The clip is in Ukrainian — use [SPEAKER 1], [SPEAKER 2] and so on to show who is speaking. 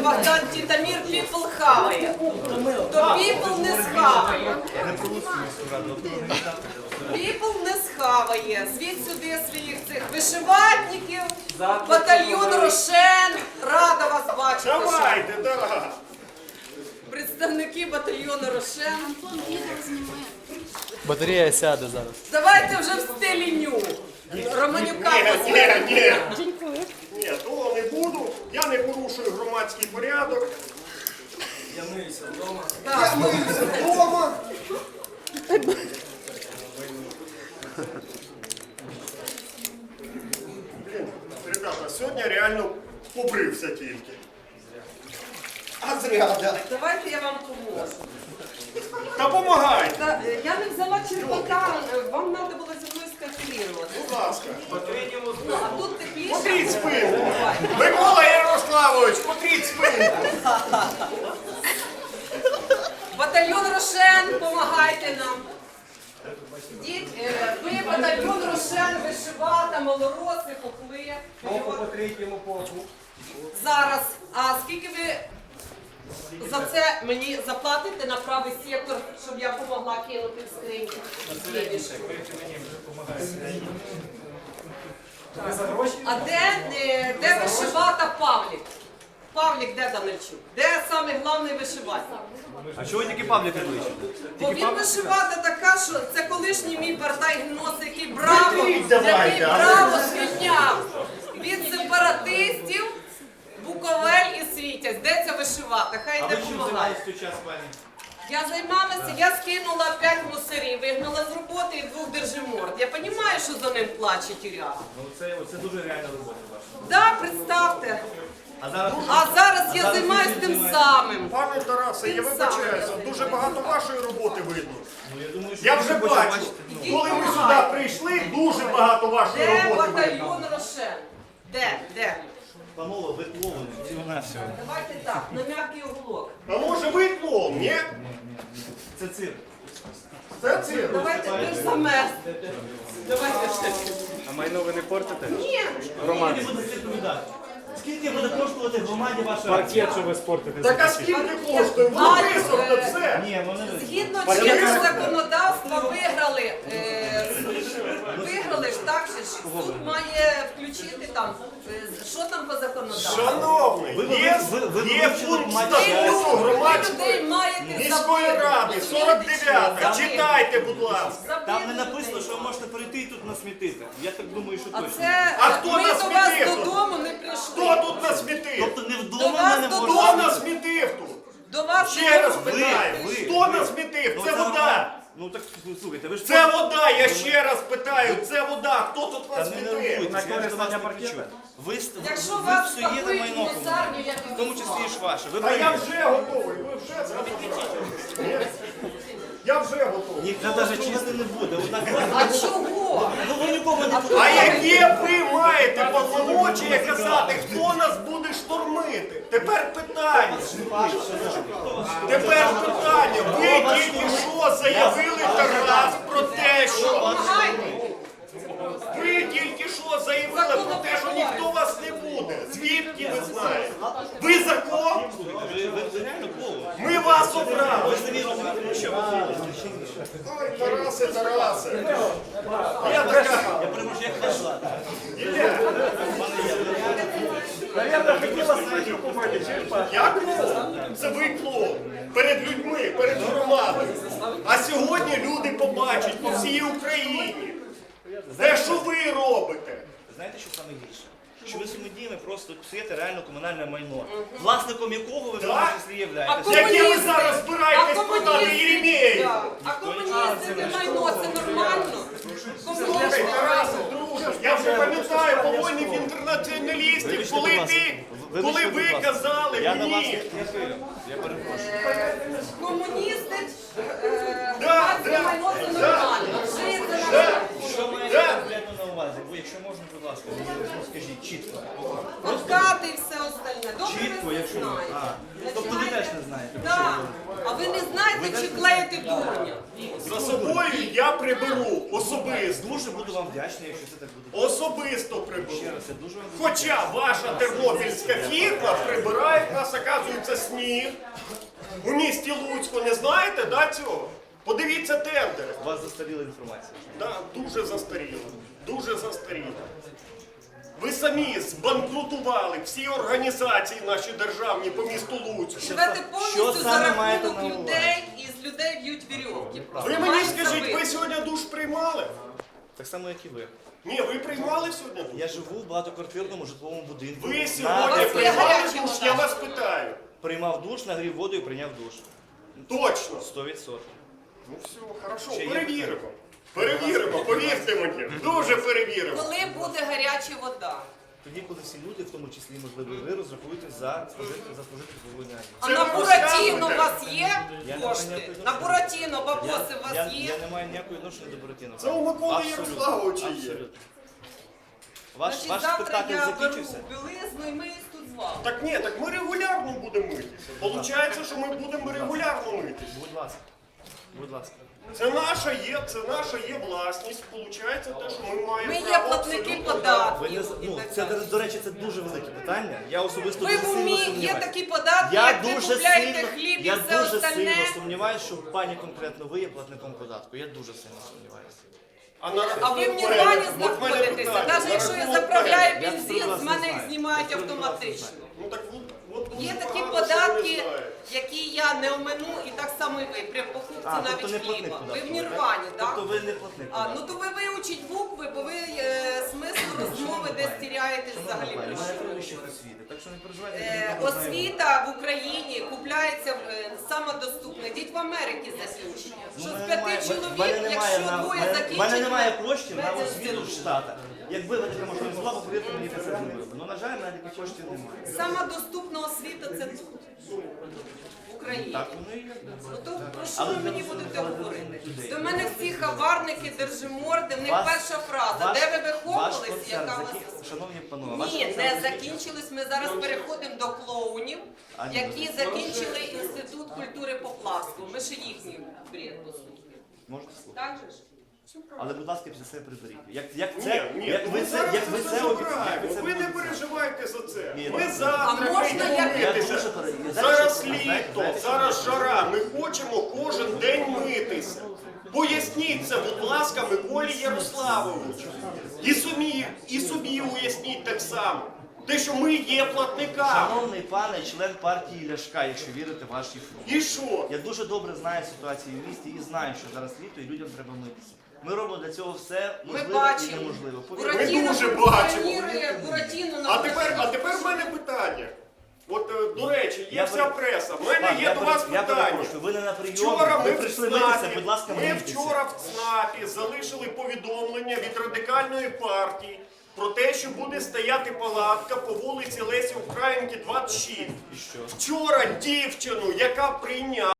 [SPEAKER 1] Богдан Титамир People хаває. То People не схаває. People не схаває. Звідь сюди своїх цих вишиватників, батальйон Рошен. Рада вас бачити.
[SPEAKER 2] Давайте, да.
[SPEAKER 1] Представники батальйону Рошен.
[SPEAKER 3] Батарея сяде зараз.
[SPEAKER 1] Давайте вже в стилі ню. Романюка
[SPEAKER 2] Ні. Ні, того не буду. Я не порушую громадський порядок.
[SPEAKER 1] Так.
[SPEAKER 2] Я миюся вдома. Блін, ребята, сьогодні реально побрився тільки. А зря, да.
[SPEAKER 1] Давайте я вам поможу.
[SPEAKER 2] Та помагайте,
[SPEAKER 1] Я не взяла черпака, вам треба було зі мною скалькулювати.
[SPEAKER 2] будь ласка.
[SPEAKER 1] А тут тепліше.
[SPEAKER 2] Потріть спинку. Микола Ярославович, потріть спинку.
[SPEAKER 1] Батальйон Рошен, допомагайте нам. Ідіть, ви батальйон Рошен, вишивата, малороси, попли.
[SPEAKER 4] По третьому полку.
[SPEAKER 1] Зараз, а скільки ви за це мені заплатите на правий сектор, щоб я допомогла кинути в скриньку? А де вишивата Павлік? Павлік де Данильчук? Де саме головний вишиватель?
[SPEAKER 3] А чого тільки Павлік не вийшов?
[SPEAKER 1] Бо він вишивата така, що це колишній мій партай гнос, який браво, звільняв від сепаратистів Буковель і Світязь. Де ця вишивата? Хай йде допомагає. Я займалася, я скинула 5 мусорів, вигнала з роботи і 2 держиморд. Я розумію, що за ним плаче тюря.
[SPEAKER 3] Це дуже реальна робота ваша.
[SPEAKER 1] Так, представте.
[SPEAKER 3] А
[SPEAKER 1] А зараз я займаюся тим самим.
[SPEAKER 2] Пане Тарасе, я вибачаюся, дуже багато вашої роботи видно.
[SPEAKER 3] думаю, що
[SPEAKER 2] Я вже
[SPEAKER 3] ви
[SPEAKER 2] бачу,
[SPEAKER 3] бачите.
[SPEAKER 2] коли ми сюди прийшли, дуже багато вашої
[SPEAKER 1] Де
[SPEAKER 2] роботи видно.
[SPEAKER 1] батальйон Рошен? Де?
[SPEAKER 3] Панове, ви клоуни. Всього-навсього.
[SPEAKER 1] Давайте так, на м'який уголок.
[SPEAKER 2] А може ви клоун, ні?
[SPEAKER 3] Це цирк.
[SPEAKER 2] Це цирк.
[SPEAKER 1] Давайте ви ж замерз. Давайте ще.
[SPEAKER 3] А майно ви не портите?
[SPEAKER 1] Ні.
[SPEAKER 3] Скільки буде відповідати? Скільки буде коштувати громаді ваша акція?
[SPEAKER 4] Паркет, що ви спортите.
[SPEAKER 2] Так а скільки коштує? Воно висохне все.
[SPEAKER 3] Ні, вони не.
[SPEAKER 1] Згідно чинного законодавства виграли ж так, що ж суд має включити там, що там по законодавству.
[SPEAKER 2] Шановний, є пункт статуту
[SPEAKER 1] Ви
[SPEAKER 2] громадської
[SPEAKER 1] людей маєте
[SPEAKER 2] міської
[SPEAKER 1] забити.
[SPEAKER 2] ради, 49-та. Читайте, будь ласка.
[SPEAKER 3] Там не
[SPEAKER 1] Забити
[SPEAKER 3] написано,
[SPEAKER 1] людей.
[SPEAKER 3] що ви можете прийти і тут насмітити. Я так думаю, що
[SPEAKER 1] А
[SPEAKER 3] точно.
[SPEAKER 1] це
[SPEAKER 2] А хто
[SPEAKER 1] ми
[SPEAKER 2] нас
[SPEAKER 1] до вас
[SPEAKER 2] смітив тут?
[SPEAKER 1] додому не прийшли.
[SPEAKER 2] Хто тут насмітив?
[SPEAKER 3] Тобто не
[SPEAKER 1] До
[SPEAKER 3] вдома
[SPEAKER 1] вас
[SPEAKER 3] мене
[SPEAKER 1] додому.
[SPEAKER 2] Хто
[SPEAKER 3] можна.
[SPEAKER 2] насмітив тут?
[SPEAKER 1] До вас
[SPEAKER 2] Ще раз
[SPEAKER 1] додому
[SPEAKER 2] питаю.
[SPEAKER 1] не прийшли.
[SPEAKER 2] Хто насмітив?
[SPEAKER 3] Ну,
[SPEAKER 2] Це вода.
[SPEAKER 3] нормально. Ну так слухайте, ви ж
[SPEAKER 2] Це вода, я ще раз питаю. Це вода. Хто тут
[SPEAKER 3] Та не
[SPEAKER 2] насмітив?
[SPEAKER 3] нервуйтесь, я ж до вас не
[SPEAKER 4] паркета?
[SPEAKER 3] кричу. Ви
[SPEAKER 1] Якщо
[SPEAKER 3] ви
[SPEAKER 1] вас
[SPEAKER 3] псуєте
[SPEAKER 1] спакують
[SPEAKER 3] майно,
[SPEAKER 1] в мусарню, я
[SPEAKER 3] в тому числі і ж ваше. Ви
[SPEAKER 2] А я
[SPEAKER 3] праві.
[SPEAKER 2] вже готовий. Ви вже зробили. Я вже готовий.
[SPEAKER 3] Ніхто навіть чисти не буде. Однак,
[SPEAKER 1] А чого?
[SPEAKER 3] ну ви нікого не
[SPEAKER 2] А яке ви маєте повномочія казати, хто нас буде штурмити? Тепер питання. Тепер питання. Ви тільки що заявили, Тарас, про те, що...
[SPEAKER 1] Помагайте.
[SPEAKER 2] Ви тільки що заявили про те, що ніхто вас не буде. Звідки ви знаєте? Ви закон?
[SPEAKER 3] ви реально клоун.
[SPEAKER 2] Ми вас обрали.
[SPEAKER 3] Ви самі розумієте, про що ви говорите?
[SPEAKER 2] Ой, Тарасе. Я така...
[SPEAKER 3] Я перепрошую, як вас звати?
[SPEAKER 4] Наверное, хотіла свою купити, черпати.
[SPEAKER 2] Я клоун. Це ви клоун. Перед людьми, перед громадою. А сьогодні люди побачать по всій Україні. Те, що ви робите.
[SPEAKER 3] Знаєте, що саме гірше? Що ви своїми діями просто псуєте реально комунальне майно, власником якого ви в тому числі являєтеся.
[SPEAKER 2] Яке ви зараз збираєтесь продати Єремєєву?
[SPEAKER 1] А комуністи не майно, це нормально?
[SPEAKER 2] Слухай,
[SPEAKER 1] Комуністи.
[SPEAKER 2] Тарасе, друже, я вже пам'ятаю повольних інтернаціоналістів, коли ви казали
[SPEAKER 3] Я на вас
[SPEAKER 2] мені.
[SPEAKER 3] не хвилю. Я перепрошую.
[SPEAKER 1] Комуністи,
[SPEAKER 2] Да,
[SPEAKER 1] громадське майно це нормально. Жити на
[SPEAKER 3] Що маєте конкретно на увазі? Бо якщо можна, будь ласка, скажіть чітко.
[SPEAKER 1] откати і все остальне. Добре,
[SPEAKER 3] чітко,
[SPEAKER 1] ви
[SPEAKER 3] якщо ви.
[SPEAKER 1] знаєте.
[SPEAKER 3] Тобто ви теж не знаєте. про що
[SPEAKER 1] Так.
[SPEAKER 3] ви говорите.
[SPEAKER 1] А ви не знаєте, чи клеїти дурня?
[SPEAKER 2] За собою я приберу особисто.
[SPEAKER 3] Дуже буду вам вдячний, якщо це так буде.
[SPEAKER 2] Особисто приберу.
[SPEAKER 3] Ще раз, я дуже вам буду
[SPEAKER 2] Хоча ваша тернопільська фірма прибирає, в нас, оказується, сніг. У місті Луцьку не знаєте, да, цього? Подивіться тендери.
[SPEAKER 3] У вас застаріла інформація.
[SPEAKER 2] Да, дуже застаріло. Дуже застаріло. Ви самі збанкрутували всі організації наші державні по місту Луцьку.
[SPEAKER 1] Живете
[SPEAKER 3] Що
[SPEAKER 1] повністю за
[SPEAKER 3] саме маєте
[SPEAKER 1] рахунок
[SPEAKER 3] на увазі?
[SPEAKER 1] людей, і з людей б'ють вірьовки.
[SPEAKER 2] Ви мені скажіть, ви сьогодні душ приймали?
[SPEAKER 3] Так само, як і ви.
[SPEAKER 2] Ні, ви приймали сьогодні душ?
[SPEAKER 3] Я живу в багатоквартирному житловому будинку.
[SPEAKER 2] Ви
[SPEAKER 3] На-
[SPEAKER 2] сьогодні
[SPEAKER 1] є
[SPEAKER 2] приймали
[SPEAKER 1] гаряча
[SPEAKER 2] душ?
[SPEAKER 1] вода?
[SPEAKER 2] Я вас питаю.
[SPEAKER 3] Приймав душ, нагрів воду і прийняв душ.
[SPEAKER 2] Точно.
[SPEAKER 3] 100%.
[SPEAKER 2] Ну все, хорошо,
[SPEAKER 3] Ще є
[SPEAKER 2] перевіримо. Перевіримо, повірте мені. Дуже перевіримо.
[SPEAKER 1] Коли буде гаряча вода?
[SPEAKER 3] Тоді, коли всі люди, в тому числі, можливо, і ви розрахуєтесь за спожити теплову енергію.
[SPEAKER 1] А
[SPEAKER 2] Це
[SPEAKER 1] на
[SPEAKER 2] ви
[SPEAKER 1] Буратіно у
[SPEAKER 2] розказуєте?
[SPEAKER 1] вас є
[SPEAKER 3] Я не
[SPEAKER 1] кошти?
[SPEAKER 3] маю
[SPEAKER 1] На Буратіно бабоси у
[SPEAKER 3] Я
[SPEAKER 1] вас є?
[SPEAKER 3] не маю ніякого відношення до Буратіно.
[SPEAKER 2] Це у Миколи
[SPEAKER 3] Абсолютно.
[SPEAKER 2] Ярославовича є.
[SPEAKER 3] Абсолютно. Ваш
[SPEAKER 1] Значить, завтра
[SPEAKER 3] спектакль
[SPEAKER 1] я беру
[SPEAKER 3] закінчився?
[SPEAKER 1] білизну і миюсь тут з вами.
[SPEAKER 2] Так ні, так ми регулярно будемо митися. Получається, що ми будемо регулярно митися.
[SPEAKER 3] Будь ласка. Будь ласка.
[SPEAKER 2] Це наша є власність. Получається те, що ми маємо
[SPEAKER 1] Ми є
[SPEAKER 2] право
[SPEAKER 1] платники
[SPEAKER 2] абсолютно.
[SPEAKER 3] Ви
[SPEAKER 1] податків.
[SPEAKER 3] не,
[SPEAKER 1] і
[SPEAKER 3] ну,
[SPEAKER 1] так
[SPEAKER 3] це,
[SPEAKER 1] далі.
[SPEAKER 3] до речі, це дуже велике питання. Я особисто
[SPEAKER 1] Ви
[SPEAKER 3] дуже
[SPEAKER 1] в
[SPEAKER 3] сильно
[SPEAKER 1] умі, є
[SPEAKER 3] сумніваюся.
[SPEAKER 1] такі податки,
[SPEAKER 3] Я
[SPEAKER 1] як ви
[SPEAKER 3] дуже
[SPEAKER 1] купляєте
[SPEAKER 3] сильно,
[SPEAKER 1] хліб і
[SPEAKER 3] я
[SPEAKER 1] все
[SPEAKER 3] дуже
[SPEAKER 1] остальне.
[SPEAKER 3] сильно сумніваюся, що пані конкретно ви є платником податку. Я дуже сильно сумніваюся.
[SPEAKER 1] А ви в Нірвані знаходитеся. Навіть якщо я заправляю
[SPEAKER 3] Я
[SPEAKER 1] бензин,
[SPEAKER 3] абсолютно
[SPEAKER 1] з мене
[SPEAKER 3] знаю.
[SPEAKER 1] їх знімають
[SPEAKER 3] Абсолютно
[SPEAKER 1] автоматично.
[SPEAKER 2] Ну так от
[SPEAKER 1] Є
[SPEAKER 2] дуже
[SPEAKER 1] такі
[SPEAKER 2] багато що ви не
[SPEAKER 1] податки,
[SPEAKER 2] знаєте.
[SPEAKER 1] які я не омину, і так само і ви, при покупці
[SPEAKER 3] Тобто не
[SPEAKER 1] навіть
[SPEAKER 3] платник
[SPEAKER 1] хліба.
[SPEAKER 3] податку.
[SPEAKER 1] Ви в
[SPEAKER 3] так?
[SPEAKER 1] Нірвані, так?
[SPEAKER 3] Тобто ви не платник
[SPEAKER 1] А,
[SPEAKER 3] податку.
[SPEAKER 1] ну то ви вивчіть букви, бо ви смисл розмови десь тіряєтесь взагалі.
[SPEAKER 3] У
[SPEAKER 1] про
[SPEAKER 3] мене
[SPEAKER 1] що ви
[SPEAKER 3] 3 вищих
[SPEAKER 1] говорите.
[SPEAKER 3] освіти, так що не переживайте. я добре знаю.
[SPEAKER 1] Освіта в Україні купляється самодоступна. Йдіть в Америці заключення.
[SPEAKER 3] Ну,
[SPEAKER 1] Що
[SPEAKER 3] в
[SPEAKER 1] з
[SPEAKER 3] мене
[SPEAKER 1] 5
[SPEAKER 3] в
[SPEAKER 1] чоловік,
[SPEAKER 3] мене немає
[SPEAKER 1] якщо двоє
[SPEAKER 3] в
[SPEAKER 1] закінчили...
[SPEAKER 3] мене немає коштів на
[SPEAKER 1] медінститут.
[SPEAKER 3] освіту в Штатах. Якби ви така можливість була, повірте мені, це зробили. Ну, на жаль, в мене таких коштів немає.
[SPEAKER 1] Сама доступна освіта це тут, в Україні.
[SPEAKER 3] Так, воно і є.
[SPEAKER 1] Ну то про що
[SPEAKER 3] Але
[SPEAKER 1] ви
[SPEAKER 3] для
[SPEAKER 1] мені
[SPEAKER 3] розумних,
[SPEAKER 1] будете
[SPEAKER 3] але для
[SPEAKER 1] говорити?
[SPEAKER 3] розумних людей.
[SPEAKER 1] До мене всі хабарники, держиморди, в них
[SPEAKER 3] Вас-
[SPEAKER 1] перша фраза.
[SPEAKER 3] ваш-
[SPEAKER 1] Де ви
[SPEAKER 3] Ваш
[SPEAKER 1] виховувались,
[SPEAKER 3] концерт
[SPEAKER 1] яка у вас...
[SPEAKER 3] Шановні панове, ваш
[SPEAKER 1] Ні,
[SPEAKER 3] концерт
[SPEAKER 1] не
[SPEAKER 3] закінчився.
[SPEAKER 1] закінчились. Ми зараз переходимо до клоунів,
[SPEAKER 3] А, ні,
[SPEAKER 1] які закінчили Інститут культури Поплавського. Ми ще їхній бред послухаємо.
[SPEAKER 3] Можете слухати.
[SPEAKER 1] Так же ж?
[SPEAKER 3] Але, будь ласка, після себе приберіть. Як
[SPEAKER 2] Ні,
[SPEAKER 3] це,
[SPEAKER 2] ні,
[SPEAKER 3] як
[SPEAKER 2] ну
[SPEAKER 3] ви
[SPEAKER 2] ми
[SPEAKER 3] це,
[SPEAKER 2] зараз
[SPEAKER 3] як ви
[SPEAKER 2] це
[SPEAKER 3] це
[SPEAKER 2] забираємо.
[SPEAKER 3] як ви це
[SPEAKER 2] Ви не
[SPEAKER 3] будете?
[SPEAKER 2] переживайте за це.
[SPEAKER 3] Ні,
[SPEAKER 2] Ми
[SPEAKER 3] ну,
[SPEAKER 2] завтра
[SPEAKER 1] А можна
[SPEAKER 2] прийдемо
[SPEAKER 1] я
[SPEAKER 2] митися.
[SPEAKER 3] дуже переживаю.
[SPEAKER 2] Зараз
[SPEAKER 3] Знаєте,
[SPEAKER 2] літо,
[SPEAKER 3] знаєте,
[SPEAKER 2] зараз жара. Ми хочемо кожен день митися. Поясніть це, будь ласка, Миколі Ярославовичу. І собі уясніть так само. Те, що ми є платниками.
[SPEAKER 3] Шановний пане, член партії Ляшка, якщо вірите в ваші фрукти.
[SPEAKER 2] І що?
[SPEAKER 3] Я дуже добре знаю ситуацію в місті і знаю, що зараз літо і людям треба митися. Ми робимо для цього все
[SPEAKER 1] Ми
[SPEAKER 3] можливе і
[SPEAKER 1] бачимо.
[SPEAKER 3] неможливо. Повірте.
[SPEAKER 1] Буратіно
[SPEAKER 2] дуже
[SPEAKER 1] функціонує, Буратіно
[SPEAKER 2] А
[SPEAKER 1] на
[SPEAKER 2] тепер в мене питання. От, до речі, є
[SPEAKER 3] Я
[SPEAKER 2] вся
[SPEAKER 3] пере-
[SPEAKER 2] преса. В
[SPEAKER 3] Пан,
[SPEAKER 2] мене є до вас
[SPEAKER 3] я
[SPEAKER 2] питання.
[SPEAKER 3] перепрошую, ви не на прийомі,
[SPEAKER 2] Вчора
[SPEAKER 3] ви
[SPEAKER 2] ми
[SPEAKER 3] прийшли
[SPEAKER 2] в
[SPEAKER 3] митися,
[SPEAKER 2] ЦНАПі,
[SPEAKER 3] будь ласка,
[SPEAKER 2] ми
[SPEAKER 3] мийтеся.
[SPEAKER 2] вчора в ЦНАПі залишили повідомлення від радикальної партії про те, що буде стояти палатка по вулиці Лесі Українки, 26.
[SPEAKER 3] І що?
[SPEAKER 2] Вчора дівчину, яка прийняла